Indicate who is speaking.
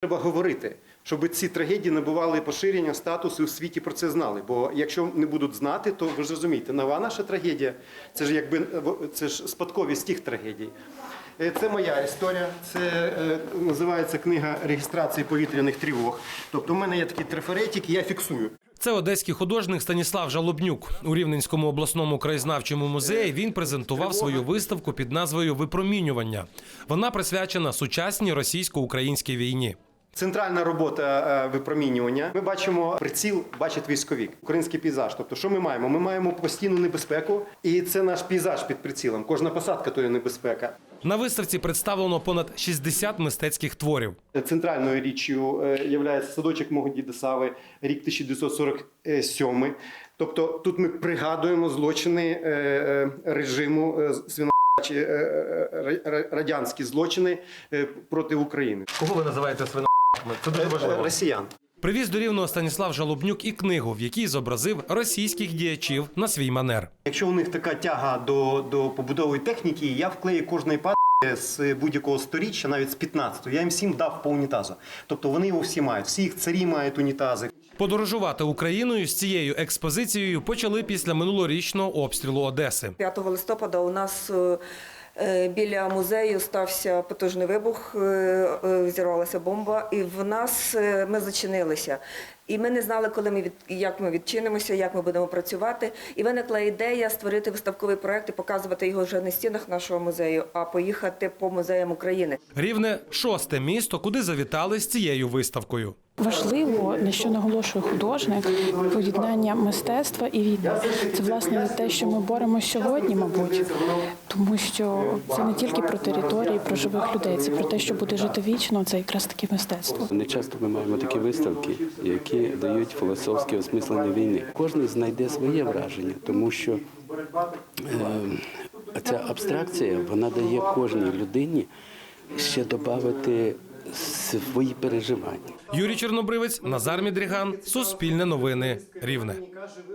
Speaker 1: Треба говорити, щоб ці трагедії набували поширення, статусу, і у світі про це знали. Бо якщо не будуть знати, то ви ж розумієте, нова наша трагедія – це ж спадковість тих трагедій. Це моя історія, це називається книга реєстрації повітряних тривог. Тобто у мене є такий трафаретик, і я фіксую.
Speaker 2: Це одеський художник Станіслав Жалобнюк. У Рівненському обласному краєзнавчому музеї він презентував свою виставку під назвою «Випромінювання». Вона присвячена сучасній російсько-українській війні.
Speaker 1: Центральна робота випромінювання. Ми бачимо приціл, бачить військовик, український пейзаж. Тобто, що ми маємо? Ми маємо постійну небезпеку, і це наш пейзаж під прицілом. Кожна посадка – то є небезпека.
Speaker 2: На виставці представлено понад 60 мистецьких творів.
Speaker 1: Центральною річчю є садочок мого діда Сави, рік 1947. Тобто, тут ми пригадуємо злочини режиму радянські злочини проти України.
Speaker 2: Кого ви називаєте свинарками? Це дуже важливо.
Speaker 1: Росіян.
Speaker 2: Привіз до Рівного Станіслав Жалобнюк і книгу, в якій зобразив російських діячів на свій манер.
Speaker 1: Якщо у них така тяга до побудової техніки, я вклею кожної з будь-якого сторіччя, навіть з 15-го, я їм всім дав по унітазу. Тобто вони його всі мають, всі їх царі мають унітази.
Speaker 2: Подорожувати Україною з цією експозицією почали після минулорічного обстрілу Одеси.
Speaker 3: 5 листопада у нас біля музею стався потужний вибух, зірвалася бомба, і ми зачинилися. І ми не знали, як ми відчинимося, як ми будемо працювати. І виникла ідея створити виставковий проєкт і показувати його вже не в стінах нашого музею, а поїхати по музеям України.
Speaker 2: Рівне – 6-те місто, куди завітали з цією виставкою.
Speaker 4: Важливо, на що наголошує художник, поєднання мистецтва і війни. Це, власне, те, що ми боремося сьогодні, мабуть, тому що це не тільки про території, про живих людей, це про те, що буде жити вічно, це якраз таке мистецтво.
Speaker 5: Не часто ми маємо такі виставки, які дають філософське осмислення війни. Кожен знайде своє враження, тому що ця абстракція, вона дає кожній людині ще додати свої переживання.
Speaker 2: Юрій Чорнобривець, Назар Мідріган, Суспільне новини, Рівне.